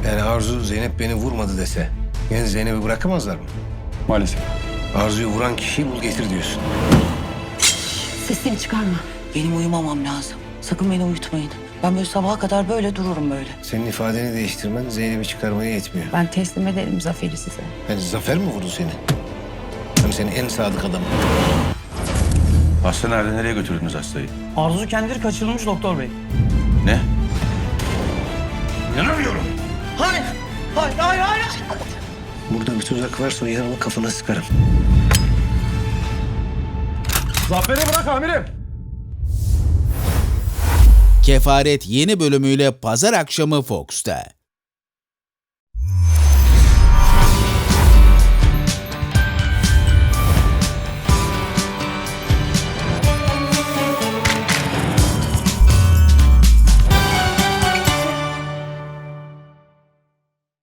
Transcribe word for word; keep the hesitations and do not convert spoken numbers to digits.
Yani Arzu Zeynep beni vurmadı dese yani Zeynep'i bırakamazlar mı? Maalesef. Arzu'yu vuran kişiyi bul getir diyorsun. Sesini çıkarma. Benim uyumamam lazım. Sakın beni uyutmayın. Ben böyle sabaha kadar böyle dururum böyle. Senin ifadeni değiştirmen Zeynep'i çıkarmaya yetmiyor. Ben teslim ederim Zafer'i size. Yani Zafer mi vurdu seni? Hem senin en sadık adamın. Hasta nerede? Nereye götürdünüz hastayı? Arzu kendileri kaçırılmış doktor bey. Ne? İnanamıyorum. Hayır, hayır, hayır, hayır. Burada bir tuzak varsa o yarını kafana sıkarım. Zafer'i bırak amirim. Kefaret yeni bölümüyle pazar akşamı Fox'ta.